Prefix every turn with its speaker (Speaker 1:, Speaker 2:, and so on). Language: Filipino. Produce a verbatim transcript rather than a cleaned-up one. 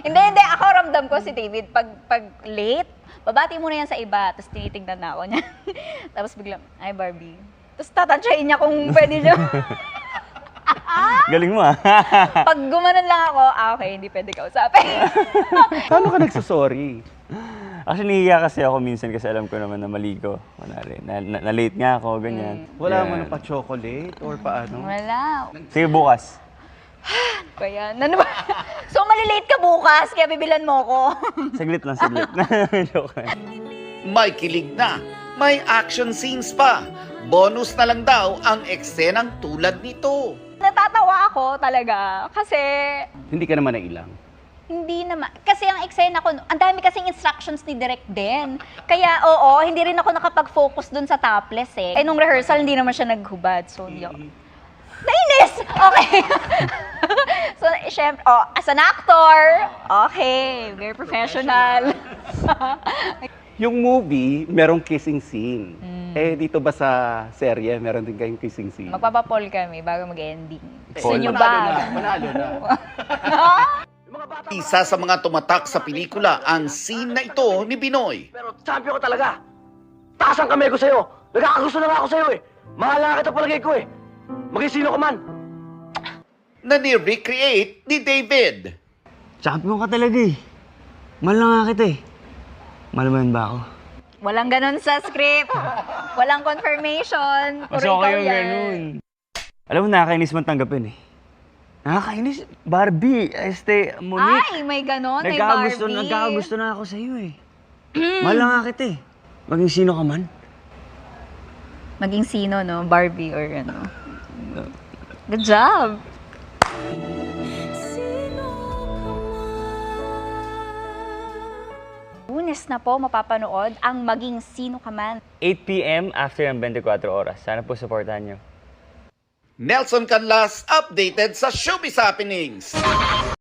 Speaker 1: Hindi, hindi. Ako ramdam ko si David. Pag, pag late, babati muna yan sa iba. Tapos tinitignan na ako niya. Tapos biglang, ay Barbie. Tapos tatansyahin niya kung pwede siya.
Speaker 2: Galing mo ah.
Speaker 1: Pag gumanon lang ako, ah, okay, hindi pwede kausapin.
Speaker 3: Paano ka nagsasorry?
Speaker 2: Actually, nahiya kasi ako minsan kasi alam ko naman na mali ko. Kunwari, na, na, na late nga ako, ganyan.
Speaker 3: Wala
Speaker 2: Yan.
Speaker 3: mo na pa-chocolate or paano?
Speaker 1: Wala.
Speaker 2: Sige, bukas.
Speaker 1: Kaya, ano ba? So, malilate ka bukas, kaya bibilan mo ko.
Speaker 2: Saglit lang, saglit. Joke lang.
Speaker 4: May kilig na, may action scenes pa. Bonus na lang daw ang eksenang tulad nito.
Speaker 1: Natatawa ako talaga kasi
Speaker 3: Hindi ka naman nailang.
Speaker 1: hindi naman. Kasi ang eksena ko, ang dami kasing instructions ni Direk din. Kaya oo, hindi rin ako nakapag-focus dun sa topless eh. Eh nung rehearsal, hindi naman siya naghubad. So, hindi ako. Nainis! Okay. So, syempre, oh, as an actor, okay, very professional.
Speaker 3: Yung movie, merong kissing scene. Eh, dito ba sa serye, meron din kayong kissing scene?
Speaker 1: Magpapapol kami bago mag-ending. Gusto
Speaker 2: Paul.
Speaker 1: nyo
Speaker 3: Manalo
Speaker 1: ba?
Speaker 3: na, manalo na.
Speaker 4: Isa sa mga tumatak sa pelikula ang scene na ito ni Binoy.
Speaker 5: Pero champion ko talaga. Taas ang kamay ko sa'yo. Nagkakagusto na nga ako sa'yo eh. Mahal na kita palagay ko eh. Maging sino ka man.
Speaker 4: Na ni-recreate ni David.
Speaker 2: Champion ka talaga eh. Mahal na nga kita eh. Mahal mo yun ba ako?
Speaker 1: Walang ganun sa script. Walang confirmation. Puro
Speaker 2: Mas
Speaker 1: ikaw
Speaker 2: okay yung
Speaker 1: yan.
Speaker 2: ganun. Alam mo, nakakainis man tanggapin eh. Nakakainis. Barbie, este, Monique.
Speaker 1: Ay, may ganun. May
Speaker 2: Nagkakagusto,
Speaker 1: Barbie.
Speaker 2: nagkakagusto na ako sa'yo eh. Mahal na nga kita eh. Maging sino ka man.
Speaker 1: Maging sino, no? Barbie or ano. Good job. Lunes na po mapapanood ang Maging Sino Ka Man.
Speaker 2: eight p m after ang twenty-four oras. Sana po supportahan nyo.
Speaker 4: Nelson Canlas updated sa Showbiz Happenings.